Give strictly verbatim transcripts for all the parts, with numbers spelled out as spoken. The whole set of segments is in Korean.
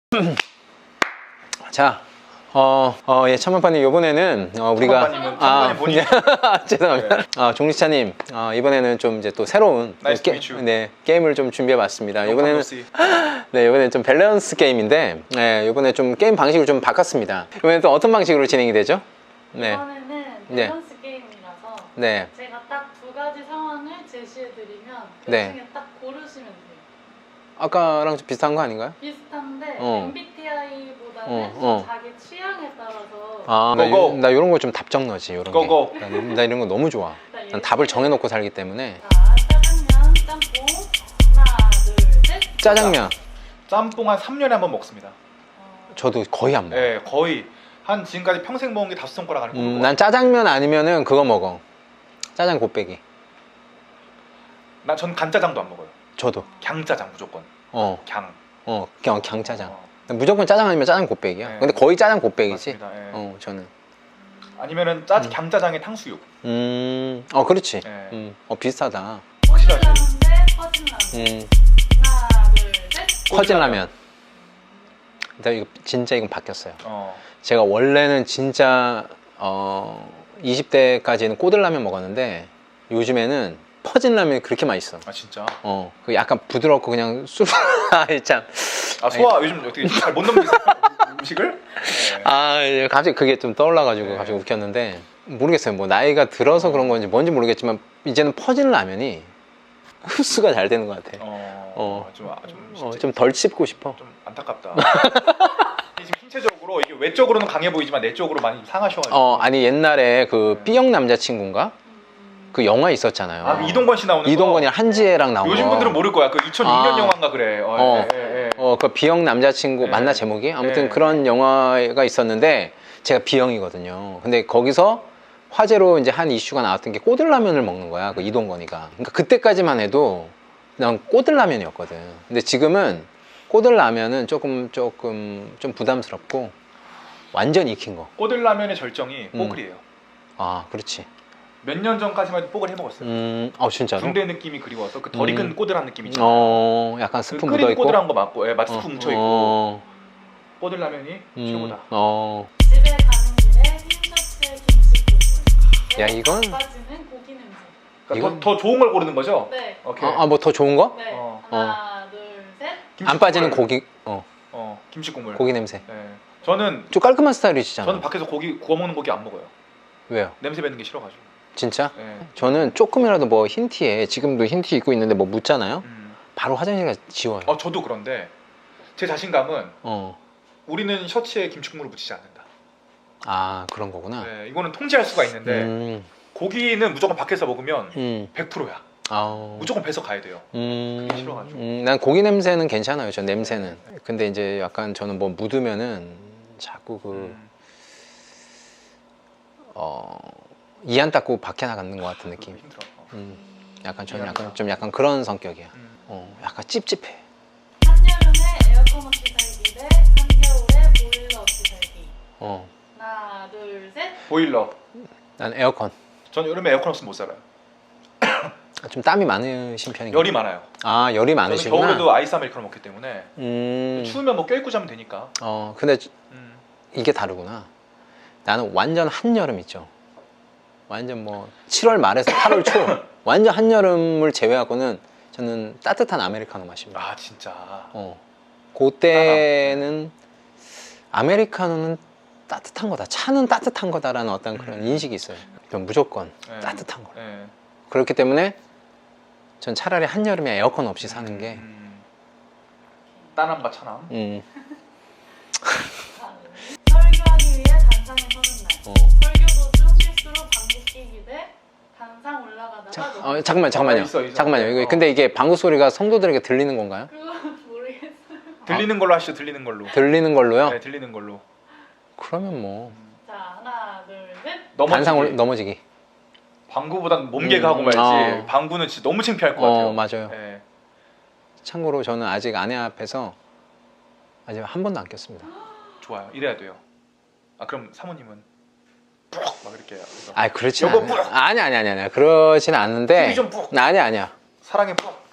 자, 어, 어, 예, 천만파님 이번에는 어, 우리가 아, 본인. 죄송합니다. 네. 아, 종리차님 어, 이번에는 좀 이제 또 새로운 Nice 게, to meet you. 네, 게임을 좀 준비해봤습니다. 이번에는 씨. 네, 이번에는 좀 밸런스 게임인데, 네, 이번에 좀 게임 방식을 좀 바꿨습니다. 이번에 또 어떤 방식으로 진행이 되죠? 네, 이번에는 네. 밸런스 게임이라서 네, 제가 딱 두 가지 상황을 제시해드리면 그 네. 중에 딱 고르시면 돼요. 아까랑 좀 비슷한 거 아닌가요? 비슷한데 어. 엠비티아이보다는 어, 어. 자기 취향에 따라서 아, 나, 고고. 요- 나 이런 거 좀 답정너지, 이런 게. 고고. 나, 나 이런 거 너무 좋아. 일단 난 답을 정해놓고 살기 때문에. 자, 짜장면, 짬뽕, 하나, 둘, 셋. 짜장면, 짬뽕 한 삼 년에 한 번 먹습니다. 어, 저도 거의 안 먹어. 네, 거의 한 지금까지 평생 먹은 게 다섯 손가락 안에 꼽을 음, 것 난 짜장면 아니면은 그거 먹어. 짜장 곱빼기. 난전 간짜장도 안 먹어요. 저도. 갱짜장 무조건. 어, 갱. 어, 그냥 강짜장. 어, 무조건 짜장 아니면 짜장 곱빼기야. 네. 근데 거의 짜장 곱빼기지. 맞습니다. 예. 어, 저는. 아니면은 짜 음. 갱짜장에 탕수육. 음, 어, 그렇지. 네. 음, 어, 비슷하다. 확실하지. 꼬들라면 대 퍼진라면. 음, 하나, 둘, 셋. 퍼진라면. 근데 이거 진짜 이건 바뀌었어요. 어. 제가 원래는 진짜 어, 이십 대까지는 꼬들라면 먹었는데 요즘에는 퍼진라면이 그렇게 맛있어. 아 진짜. 어, 그 약간 부드럽고 그냥 술, 아이 참. 아 소화 요즘 어떻게 잘 못 넘기세요? 음식을? 네. 아, 이제 갑자기 그게 좀 떠올라가지고 네. 갑자기 웃겼는데 모르겠어요. 뭐 나이가 들어서 그런 건지 뭔지 모르겠지만 이제는 퍼진 라면이 흡수가 잘 되는 것 같아. 어. 어. 좀, 아, 좀, 어, 진짜 좀 덜 씹고 싶어. 좀 안타깝다. 지금 신체적으로 이게 외적으로는 강해 보이지만 내적으로 많이 상하셔가지고. 어, 아니 옛날에 그 네. B형 남자친구인가? 음, 그 영화 있었잖아요. 아, 이동건 씨 나오는 거. 이동건이랑 한지혜랑 나온 요즘 거. 분들은 모를 거야. 그 이천육 년 아. 영화인가 그래. 어, 어. 예, 예, 예. 어, 그 B형 남자친구 네. 맞나 제목이? 아무튼 네. 그런 영화가 있었는데 제가 B형이거든요. 근데 거기서 화제로 이제 한 이슈가 나왔던 게 꼬들라면을 먹는 거야. 그 이동건이가. 그러니까 그때까지만 해도 그냥 꼬들라면이었거든. 근데 지금은 꼬들라면은 조금 조금 좀 부담스럽고 완전 익힌 거. 꼬들라면의 절정이 음. 뽀글이에요. 아, 그렇지. 몇 년 전까지만 해도 뽀글 해 먹었어요. 음, 어 진짜로? 군대 느낌이 그리워서 그 덜 익은 음. 꼬들한 느낌 있잖아요. 어, 약간 그 스프 묻어 끓인 있고. 꼬들한 거 맞고, 예, 맛 스프 어, 뭉쳐 있고. 어, 꼬들라면이 음, 최고다. 어. 집에 가는 길에 흰셔츠에 김치 야, 이건- 빠지는 고기 냄새. 그러니까 이건- 더, 더 좋은 걸 고르는 거죠? 네. 오케이. 아, 뭐 더 좋은 거? 네. 어. 하나, 둘, 셋. 김치 안 빠지는 국물. 고기, 어, 어, 김치 국물. 고기 냄새. 예. 저는 좀 깔끔한 스타일이시잖아. 저는 밖에서 고기 구워 먹는 고기 안 먹어요. 왜요? 냄새 배는 게 싫어가지고. 진짜? 예. 저는 조금이라도 뭐 흰티에 지금도 흰티 입고 있는데 뭐 묻잖아요. 음. 바로 화장실 가서 지워요. 어, 저도 그런데 제 자신감은 어. 우리는 셔츠에 김치 국물을 묻히지 않는다. 아, 그런 거구나. 예, 이거는 통제할 수가 있는데 음, 고기는 무조건 밖에서 먹으면 음, 백 퍼센트야. 아, 무조건 배서 가야 돼요. 음, 그게 싫어가지고. 음, 난 고기 냄새는 괜찮아요. 저 냄새는. 근데 이제 약간 저는 뭐 묻으면은 자꾸 그 음. 어, 이 안 닦고 밖에 나가는 것 같은 느낌. 그거 힘들어. 어. 음, 약간 저는 미안하다. 약간 좀 약간 그런 성격이야. 음. 어, 약간 찝찝해. 한여름에 에어컨 없이 살기 대 한겨울에 보일러 없이 살기. 어, 하나, 둘, 셋. 보일러. 난 에어컨. 저는 여름에 에어컨 없으면 못 살아요. 좀 땀이 많으신 편인가요? 열이 많아요. 아, 열이 저는 많으시구나. 겨울에도 아이스 아메리카노 먹기 때문에 음, 추우면 뭐 껴입고 자면 되니까. 어, 근데 음. 이게 다르구나. 나는 완전 한여름 있죠. 완전 뭐 칠월 말에서 팔월 초 완전 한여름을 제외하고는 저는 따뜻한 아메리카노 마십니다. 아 진짜. 어, 그때는 아메리카노는 따뜻한 거다. 차는 따뜻한 거다라는 어떤 그런 음. 인식이 있어요. 전 무조건 네. 따뜻한 거. 예. 그렇기 때문에 전 차라리 한여름에 에어컨 없이 사는 게 음. 따남과 차남. 음, 다음. 설교하기 위해 단상에 서는 날. 어. 설교 도중 실수로 방귀 끼기 대 단상 올라가다가 자, 너무 어, 잠깐만 잠깐만요. 어, 있어, 있어. 잠깐만요. 이거 어. 근데 이게 방구 소리가 성도들에게 들리는 건가요? 그건 모르겠어요. 들리는 걸로 하시죠. 들리는 걸로. 들리는 걸로요? 네, 들리는 걸로. 그러면 뭐 자, 하나, 둘, 셋. 넘어지기. 단상 올, 넘어지기. 방구보단 몸개가 음, 하고 말지. 어. 방구는 진짜 너무 창피할 것 같아요. 어, 맞아요. 예. 참고로 저는 아직 아내 앞에서 아직 한 번도 안 꼈습니다. 좋아요. 이래야 돼요. 아 그럼 사모님은 푹 막 이렇게 해서 아, 그렇지 요거 않아요. 뿌려. 아니 아니 아니 아니. 그러진 않는데. 힘이 좀 푹. 아니 아니야. 사랑에 푹.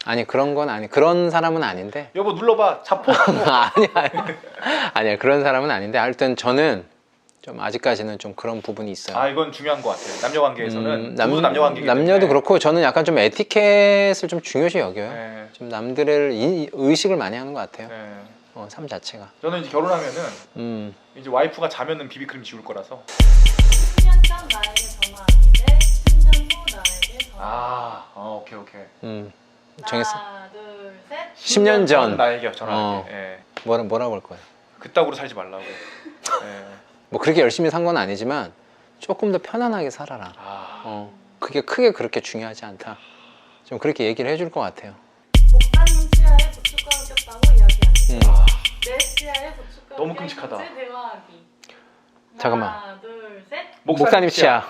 아니 그런 건 아니 그런 사람은 아닌데 여보 눌러봐. 자포. 아니야 아니야 아니야 그런 사람은 아닌데 하여튼 저는 좀 아직까지는 좀 그런 부분이 있어요. 아 이건 중요한 것 같아요. 남녀 관계에서는 음, 남, 남녀 관계이기 남녀도 때문에. 그렇고 저는 약간 좀 에티켓을 좀 중요시 여겨요. 네. 좀 남들을 이- 의식을 많이 하는 것 같아요. 네. 어, 삶 자체가. 저는 이제 결혼하면은 음. 이제 와이프가 자면은 비비크림 지울 거라서. 십 년 전 나에게 전화하기 대 십 년 후 나에게 전화. 아, 어, 오케이 오케이. 음. 정했어. 하나, 둘, 셋. 십 년 전. 나에게 전화하기. 어. 예. 뭐라 뭐라고 할 거예요? 그따구로 살지 말라고. 예. 뭐 그렇게 열심히 산 건 아니지만 조금 더 편안하게 살아라. 아, 어. 그게 크게 그렇게 중요하지 않다. 좀 그렇게 얘기를 해줄 것 같아요. 목사님 치아에 고춧가루 꼈다고 이야기하기. 음. 아, 내 치아에 고춧가루 너무 껴있는지 끔찍하다. 대화하기. 잠깐만. 하나, 둘, 셋. 목사님 치아.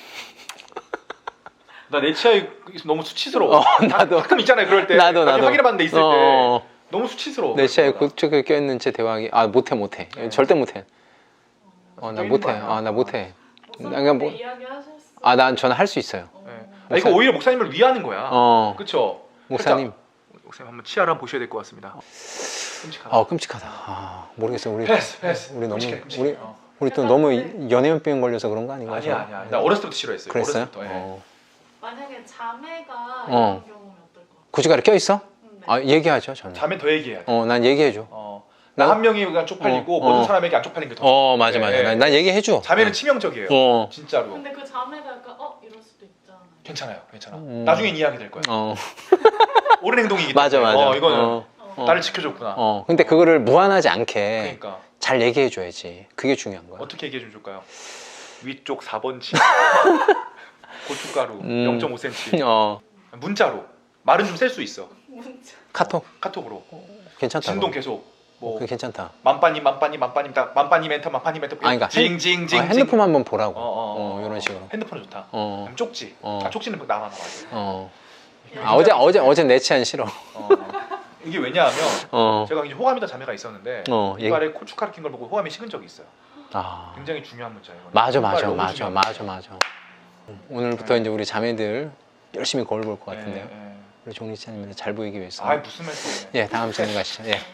나 내 치아에 너무 수치스러워. 어, 나도. 가끔 있잖아요 그럴 때. 나도 나중에 나도. 확인해봤는 데 있을 어, 때 어. 너무 수치스러워. 내 치아에 고추가 껴있는 채 대화하기. 아 못해 못해. 네. 절대 못해. 어 나 껴있는 못해. 거 아니야? 아 나 못해. 목사님 그냥 뭐- 이야기하셨어. 아 난 저는 할 수 있어요. 어. 네. 아, 이거 오히려 목사님을 위하는 거야. 어 그쵸? 목사님. 목사님 한번 치아를 한번 보셔야 될 것 같습니다. 끔찍하다. 아 끔찍하다. 아 모르겠어 우리 패스 패스. 우리 너무 끔찍해, 끔찍해. 우리 어. 우리 또 너무 연예인병 걸려서 그런 거 아닌가? 아니야 아니야. 나 어렸을 때부터 싫어했어요. 그랬어요? 어렸을 때부터. 예. 어. 만약에 자매가 어. 이런 경우면 어떨 것 같아? 고춧가루 껴 있어? 음, 네. 아 얘기하죠 저는. 자면 더 얘기해야 돼. 어 난 얘기해줘. 어. 나- 나 한 명이 그냥 쪽팔리고 어, 모든 어. 사람에게 안 쪽팔린 게 더. 좋아. 어 맞아 맞아. 예, 난, 예. 난 얘기해줘. 자매는 어. 치명적이에요. 어. 진짜로. 근데 그 자매가 약간 어 이럴 수도 있잖아. 괜찮아요, 괜찮아. 음. 나중엔 이해하게 될 거야. 어 옳은 행동이기 때문에. 맞아 맞아. 어, 이거는 어. 어. 나를 지켜줬구나. 어 근데 그거를 무한하지 않게 그러니까 잘 얘기해줘야지. 그게 중요한 거야. 어떻게 얘기해 좀 줄까요? 위쪽 사 번 치. 고춧가루 음. 영 점 오 센티미터. 어 문자로 말은 좀 셀 수 있어. 문자. 카톡 카톡으로. 괜찮다. 진동 계속. 뭐 그게 괜찮다. 만빠님 만빠님 만빠님 딱 만빠님 엔터 만빠님 엔터. 아니, 그러니까 핸- 징징징. 어, 핸드폰 한번 보라고. 어, 어, 어, 이런 식으로. 핸드폰 좋다. 어. 그다음 쪽지. 어. 아, 쪽지는 나만 나와. 어. 아, 어제 어제 어제 내 치안 싫어. 어. 이게 왜냐하면 어. 제가 이제 호감이던 자매가 있었는데 어. 얘기- 이빨에 고춧가루 낀 걸 보고 호감이 식은 적이 있어요. 아. 굉장히 중요한 문자예요. 이거는. 맞아 이빨 맞아 너무 맞아 중요한 맞아 맞아. 오늘부터 이제 우리 자매들 열심히 거울 볼 것 문자예요. 같은데요. 예, 예. 우리 종리차님한테 잘 보이기 위해서. 아 무슨 말씀이에요? 예, 다음 질문 가시죠. 예. 네.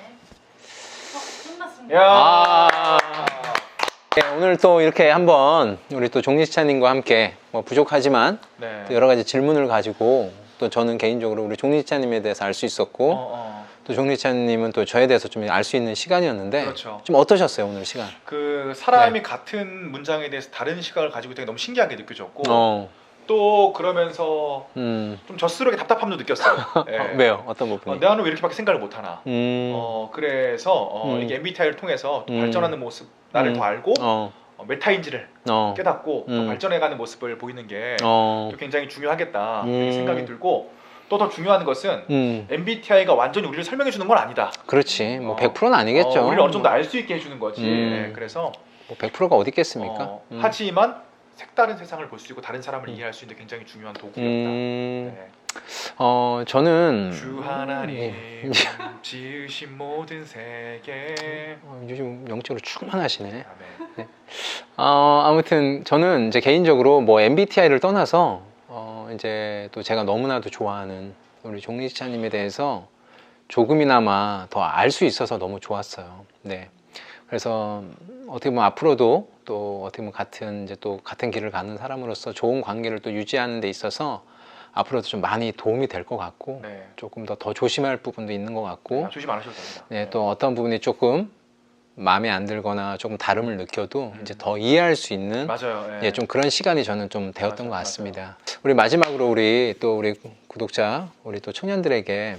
어, 끝났습니다. 야. 아. 예, 오늘 또 이렇게 한번 우리 또 종리차님과 함께 뭐 부족하지만 네. 또 여러 가지 질문을 가지고 또 저는 개인적으로 우리 종리차님에 대해서 알 수 있었고 어, 어. 또 종리차님은 또 저에 대해서 좀 알 수 있는 시간이었는데 그렇죠. 좀 어떠셨어요 오늘 시간? 그 사람이 같은 문장에 대해서 다른 시각을 가지고 있다는 게 너무 신기하게 느껴졌고 어, 또 그러면서 음, 좀 젖스럽게 답답함도 느꼈어요. 예. 어, 왜요? 어떤 부분이? 어, 나는 왜 이렇게밖에 생각을 못하나? 음, 어 그래서 어, 음. 이게 엠비티아이를 통해서 또 음. 발전하는 모습 나를 음. 더 알고 어, 어, 메타인지를 어, 깨닫고 또 음. 발전해가는 모습을 보이는 게 어, 또 굉장히 중요하겠다 음. 이렇게 생각이 들고 또 더 중요한 것은 음, 엠비티아이가 완전히 우리를 설명해 주는 건 아니다. 그렇지. 뭐 어. 백 퍼센트는 아니겠죠. 어, 우리를 어느 정도 알 수 있게 해주는 거지. 음. 예, 그래서 뭐 백 퍼센트가 어디 있겠습니까? 어, 음. 하지만 색다른 세상을 볼 수 있고 다른 사람을 이해할 수 있는 굉장히 중요한 도구였다. 음, 네. 어, 저는 주 하나님 음. 지으신 모든 세계. 어, 요즘 영적으로 충만하시네. 아멘. 어, 아무튼 저는 이제 개인적으로 뭐 엠비티아이를 떠나서 어, 이제 또 제가 너무나도 좋아하는 우리 종리차님에 대해서 조금이나마 더 알 수 있어서 너무 좋았어요. 네. 그래서 어떻게 보면 앞으로도 또 어떻게 보면 같은 이제 또 같은 길을 가는 사람으로서 좋은 관계를 또 유지하는 데 있어서 앞으로도 좀 많이 도움이 될 것 같고 네. 조금 더 더 조심할 부분도 있는 것 같고 아, 조심 안 하셔도 됩니다. 네, 또 어떤 부분이 조금 마음에 안 들거나 조금 다름을 느껴도 음. 이제 더 이해할 수 있는 맞아요. 예. 예, 좀 그런 시간이 저는 좀 되었던 맞아, 것 같습니다. 우리 마지막으로 우리 또 우리 구독자, 우리 또 청년들에게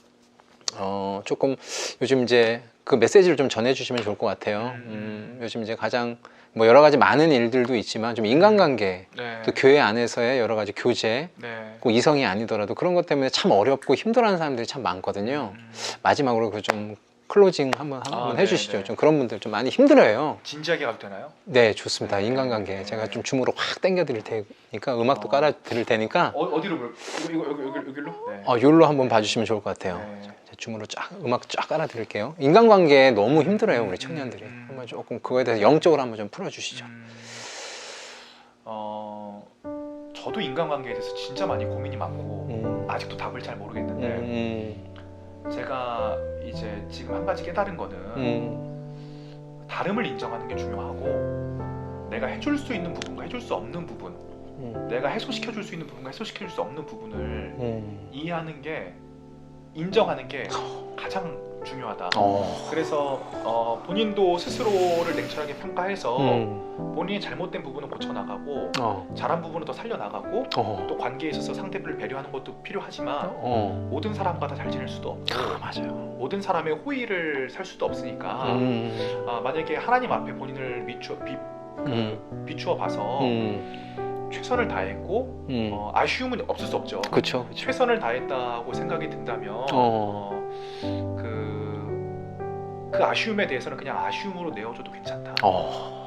어, 조금 요즘 이제 그 메시지를 좀 전해주시면 좋을 것 같아요. 음. 음, 요즘 이제 가장 뭐 여러 가지 많은 일들도 있지만 좀 인간관계, 네. 또 교회 안에서의 여러 가지 교제, 네. 꼭 이성이 아니더라도 그런 것 때문에 참 어렵고 힘들어하는 사람들이 참 많거든요. 음. 마지막으로 그 좀 클로징 한번 한번 아, 네, 해주시죠. 네. 좀 그런 분들 좀 많이 힘들어요. 진지하게 가도 되나요? 네, 좋습니다. 네, 인간관계 네. 제가 좀 줌으로 확 당겨 드릴 테니까 음악도 어. 깔아 드릴 테니까 어, 어디로 볼? 이거 이거 여기 여기 여기로? 네. 어, 요로 한번 봐주시면 좋을 것 같아요. 네. 제가 줌으로 쫙 음악 쫙 깔아 드릴게요. 인간관계 너무 힘들어요, 우리 청년들이. 음. 한번 조금 그거에 대해서 영적으로 한번 좀 풀어주시죠. 음, 어, 저도 인간관계에 대해서 진짜 많이 고민이 많고 음, 아직도 답을 잘 모르겠는데 음, 제가 이제 지금 한 가지 깨달은 거는 음, 다름을 인정하는 게 중요하고 내가 해줄 수 있는 부분과 해줄 수 없는 부분, 음, 내가 해소시켜 줄 수 있는 부분과 해소시켜 줄 수 없는 부분을 음. 이해하는 게, 인정하는 게 가장 중요하다. 어, 그래서 어, 본인도 스스로를 냉철하게 평가해서 음, 본인이 잘못된 부분은 고쳐나가고 어, 잘한 부분은 더 살려나가고 어, 또 관계에 있어서 상대를 배려하는 것도 필요하지만 어. 모든 사람과 다 잘 지낼 수도 없고 아, 맞아요. 모든 사람의 호의를 살 수도 없으니까 음, 아, 만약에 하나님 앞에 본인을 비추어, 비, 음, 비추어 봐서 음, 최선을 다했고 음. 어, 아쉬움은 없을 수 없죠. 그쵸, 그쵸. 최선을 다했다고 생각이 든다면 어. 어, 그, 그 아쉬움에 대해서는 그냥 아쉬움으로 내어줘도 괜찮다. 어.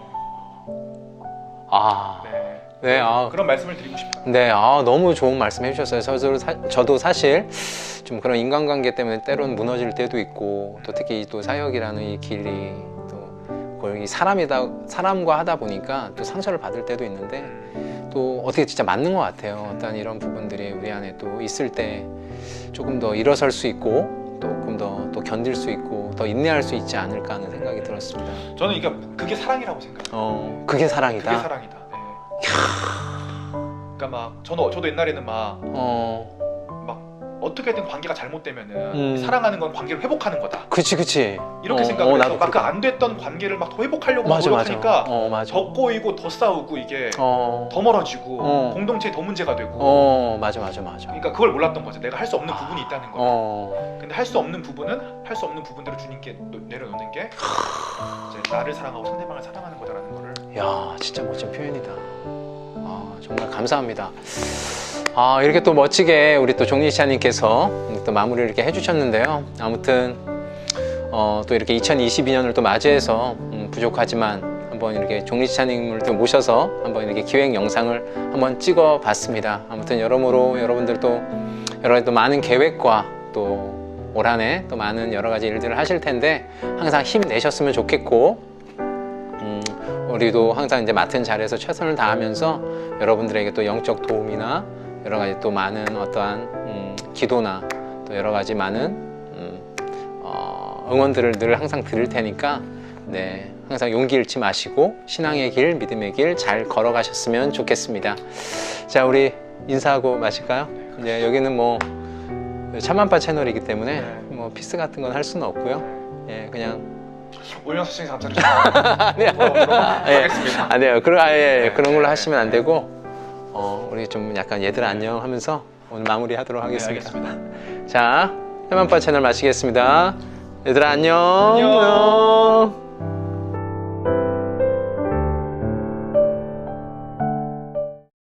아, 네. 네, 아, 그런 말씀을 드리고 싶어요. 네, 아, 너무 좋은 말씀 해주셨어요. 저도, 사, 저도 사실 좀 그런 인간관계 때문에 때론 무너질 때도 있고, 또 특히 또 사역이라는 이 길이 또 거의 사람이다, 사람과 하다 보니까 또 상처를 받을 때도 있는데, 음, 또 어떻게 진짜 맞는 것 같아요. 어떤 이런 부분들이 우리 안에 또 있을 때 조금 더 일어설 수 있고, 조금 더 또 견딜 수 있고, 더 인내할 수 있지 않을까 하는 생각이 들었습니다. 저는 이게 그게 사랑이라고 생각해요. 어, 그게 사랑이다. 그게 사랑이다. 네. 그러니까 막 저는 저도 옛날에는 막 어, 어떻게든 관계가 잘못되면은 음. 사랑하는 건 관계를 회복하는 거다. 그치, 그치. 이렇게 어, 생각을 어, 해서 나도 막 그 그렇게. 안 됐던 관계를 막 더 회복하려고 맞아, 맞아. 노력하니까 어, 맞아. 더 꼬이고 더 싸우고 이게 어, 더 멀어지고 어. 공동체에 더 문제가 되고. 어, 맞아, 맞아, 맞아. 그러니까 그걸 몰랐던 거죠. 내가 할 수 없는 부분이 있다는 거. 어, 근데 할 수 없는 부분은 할 수 없는 부분대로 주님께 노- 내려놓는 게 이제 나를 사랑하고 상대방을 사랑하는 거다라는 거를. 야, 진짜 멋진 표현이다. 아, 정말 감사합니다. 아, 이렇게 또 멋지게 우리 또 종리시아님께서 또 마무리를 이렇게 해주셨는데요. 아무튼 어, 또 이렇게 이천이십이 년을 또 맞이해서 음, 부족하지만 한번 이렇게 종리시아님을 또 모셔서 한번 이렇게 기획 영상을 한번 찍어봤습니다. 아무튼 여러모로 여러분들도 여러 가지 또 많은 계획과 또 올 한 해 또 많은 여러 가지 일들을 하실 텐데 항상 힘내셨으면 좋겠고, 음, 우리도 항상 이제 맡은 자리에서 최선을 다하면서 여러분들에게 또 영적 도움이나 여러 가지 또 많은 어떠한 음, 기도나 또 여러 가지 많은 음, 어, 응원들을 늘 항상 드릴 테니까 네, 항상 용기 잃지 마시고 신앙의 길, 믿음의 길 잘 걸어가셨으면 좋겠습니다. 자, 우리 인사하고 마실까요? 이제 여기는 뭐 참만파 채널이기 때문에 네. 뭐 피스 같은 건 할 수는 없고요. 예, 그냥 오영석 선생님 감사드립니다. 아니요. 예. 예. 하겠습니다. 아니요. 그런 아예 네, 그런 걸로 네, 하시면 안 네. 되고 어, 우리 좀 약간 얘들 안녕 하면서 오늘 마무리하도록 네, 하겠습니다. 알겠습니다. 자, 해만파 채널 마치겠습니다. 얘들아 안녕. 안녕.